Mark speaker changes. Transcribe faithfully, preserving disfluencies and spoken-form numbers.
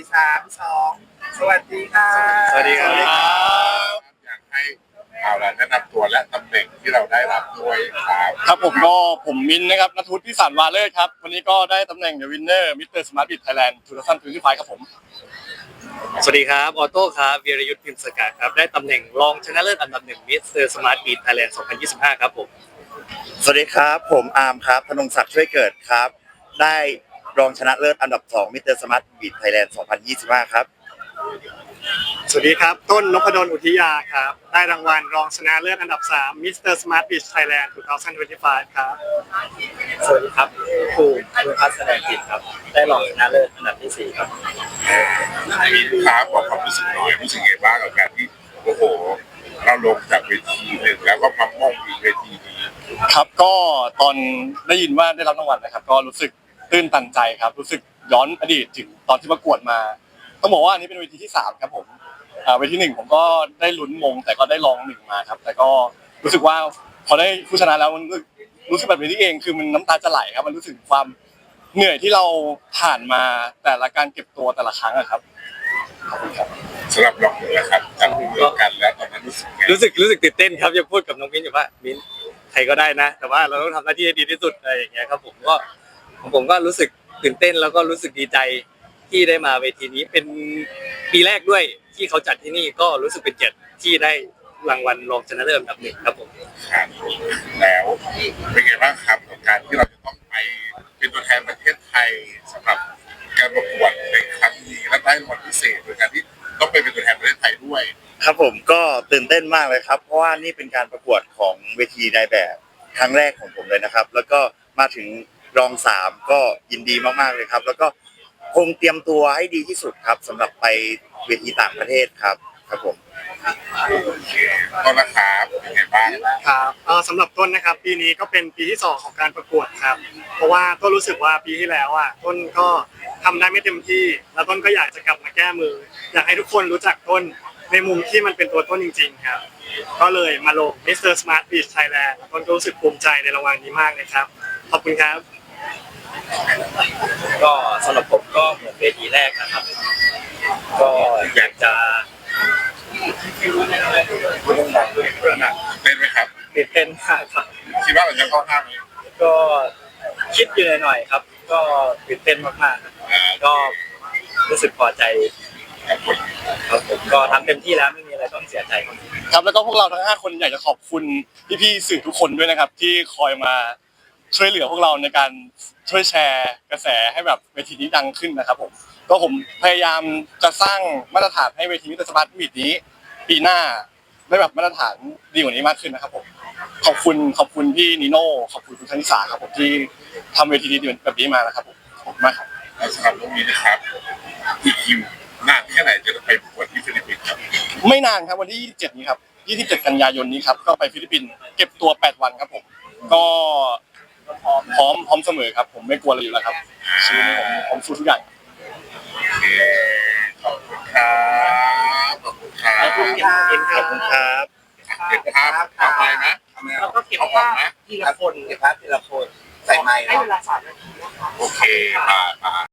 Speaker 1: สามสองสวัสดีครับ
Speaker 2: สวัสดีครับ
Speaker 3: อยากให้เอาละแนะนำตัวและตำแหน่งที่เราได้รับด้วยครับ
Speaker 2: ครับผมก็ผมมินนะครับณทุศพิสารวาเลิศครับวันนี้ก็ได้ตำแหน่ง The Winner มิสเตอร์ Smart Bid Thailand สองพันยี่สิบห้าครับผม
Speaker 4: สวัสดีครับออโต้ครับวีรยุทธ์พิมพ์สกัดครับได้ตำแหน่งรองชนะเลิศอันดับหนึ่งมิสเตอร์สมาร์ทบีทไทยแลนด์สองพันยี่สิบห้าครับผม
Speaker 5: สวัสดีครับผมอาร์มครับธนงศักดิ์ช่วยเกิดครับได้รองชนะเลิศอันดับสองมิสเตอร์สมาร์ทบีทไทยแลนด์สองพันยี่สิบห้าครับ
Speaker 6: สวัสดีครับต้นนพดลอุทิยาครับได้รางวัลรองชนะเลิศอันดับสาม มิสเตอร์ Smart Beach Thailand สองพันยี่สิบห้าครับ
Speaker 4: สวัสดีครับครูครูพัฒน์แสดงจิตครับได้รองชนะเลิศอันดับที่สี่ครับ
Speaker 3: มีลูกค้าบอกความรู้สึกหน่อยรู้สึกไงบ้างกับการที่โอ้โหเราลงจากเวทีหนึ่งแล้วก็มาม่งอีกเวทีนี้
Speaker 2: ครับก็ตอนได้ยินว่าได้รับรางวัลนะครับก็รู้สึกตื้นตันใจครับรู้สึกย้อนอดีตถึงตอนที่ประกวดมาต้องบอกว่าอันนี้เป็นเวทีที่สามครับผมอ่าเวทีหนึ่งผมก็ได้ลุ้นมงแต่ก็ได้รองหนึ่งมาครับแต่ก็รู้สึกว่าพอได้ผู้ชนะแล้วมันรู้สึกแบบนี้เองคือมันน้ำตาจะไหลครับมันรู้สึกความเหนื่อยที่เราผ่านมาแต่ละการเก็บตัวแต่ละครั้งอะครับขอบคุณครับ
Speaker 3: สำหรับเราเลยนะครับจับมือกันแล้วตอนนั้นรู้สึกไง
Speaker 4: รู้สึกรู้สึกตื่นเต้นครับยังพูดกับน้องมิ้นอยู่ว่ามิ้นใครก็ได้นะ แต่ว่าเราต้องทำหน้าที่ให้ดีที่สุดอะไรอย่างเงี้ยครับผมก็ผมก็รู้สึกตื่นเต้นแล้วก็รู้สึกดีใจที่ได้มาเวทีนี้เป็นปีแรกด้วยที่เขาจัดที่นี่ก็รู้สึกเป็นเกียรติที่ได้รางวัลรองชนะเลิศอันดับหนึ่งครับผม
Speaker 3: ครับแล้วเป็นไงบ้างครับกับการที่เราจะต้องไปเป็นตัวแทนประเทศไทยสำหรับการประกวดในครั้งนี้และได้รางวัลพิเศษโดยการที่ต้องไปเป็นตัวแทนประเทศไทยด้วย
Speaker 5: ครับผมก็ตื่นเต้นมากเลยครับเพราะว่านี่เป็นการประกวดของเวทีนายแบบครั้งแรกของผมเลยนะครับแล้วก็มาถึงรองสามก็ยินดีมากๆเลยครับแล้วก็คงเตรียมตัวให้ดีที่สุดครับสำหรับไปเวทีต่างประเทศครับครับผม
Speaker 3: โอเคต้นนะครับเป็นไงบ้าง
Speaker 6: ครับเอ่อสำหรับต้นนะครับปีนี้ก็เป็นปีที่สองของการประกวดครับเพราะว่าต้นรู้สึกว่าปีที่แล้วอ่ะต้นก็ทำได้ไม่เต็มที่แล้วต้นก็อยากจะกลับมาแก้มือ อยากให้ทุกคนรู้จักต้นในมุมที่มันเป็นตัวต้นจริงๆครับก็เลยมาลง มิสเตอร์ Smart Beach Thailand ต้นก็รู้สึกภูมิใจในรางวัลนี้มากเลยครับขอบคุณครับ
Speaker 4: ก็สำหรับผมก็เหมือนเวทีแรกนะครับ ก็อยากจะ
Speaker 3: พูดดังๆเลยเต้นไหมครับ
Speaker 4: ตื่นเต้นมากครับ
Speaker 3: คิดว่าเราจะเข้าห้าไหม
Speaker 4: ก็คิดอยู่หน่อยๆครับ ก็ตื่นเต้นมากๆครับก็รู้สึกพอใจครับผมก็ทำเต็มที่แล้วไม่มีอะไรต้องเสียใจครับ
Speaker 2: ครับแล้วก็พวกเราทั้งห้าคนอยากจะขอบคุณพี่ๆสื่อทุกคนด้วยนะครับที่คอยมาช่วยเหลือพวกเราในการช่วยแชร์กระแสให้แบบเวทีนี้ดังขึ้นนะครับผมก็ผมพยายามจะสร้างมาตรฐานให้เวทีมิสเตอร์สมาร์ทบีทนี้ปีหน้าได้แบบมาตรฐานดีกว่านี้มากขึ้นนะครับผมขอบคุณขอบคุณพี่นิโน่ขอบคุณคุณธนิสาครับผมที่ทำเวทีดีๆแบบนี้มานะครับผมขอบคุณมากครับ
Speaker 3: และสำหรับตรงนี้นะครับอีกคิวนานแค่ไหนจะไปประกวดที่ฟิลิปปินส์ครับ
Speaker 2: ไม่นานครับวันที่ยี่สิบเจ็ดนี้ครับยี่สิบเจ็ดกันยายนนี้ครับก็ไปฟิลิปปินส์เก็บตัวแปดวันครับผมก็พร้อมพร้อมเสมอครับผมไม่กลัวอะไรอยู่แล้วครับชีวิตนี้ผมผมสู้ทุกอย่าง
Speaker 3: โอเคขอบคุณครับขอบคุณครับ
Speaker 1: ขอบคุณครับ
Speaker 5: ขอบคุณครับ
Speaker 3: เก็บภาพทำไมนะ
Speaker 1: แล้วก็เก็บ
Speaker 3: เอาออ
Speaker 1: ภาก พ
Speaker 3: นะ
Speaker 1: ทีละคนเก็บภาพทีละคนใส่ไมค์ให้เวลาสามนาทีนะคะ
Speaker 3: โอเคมามา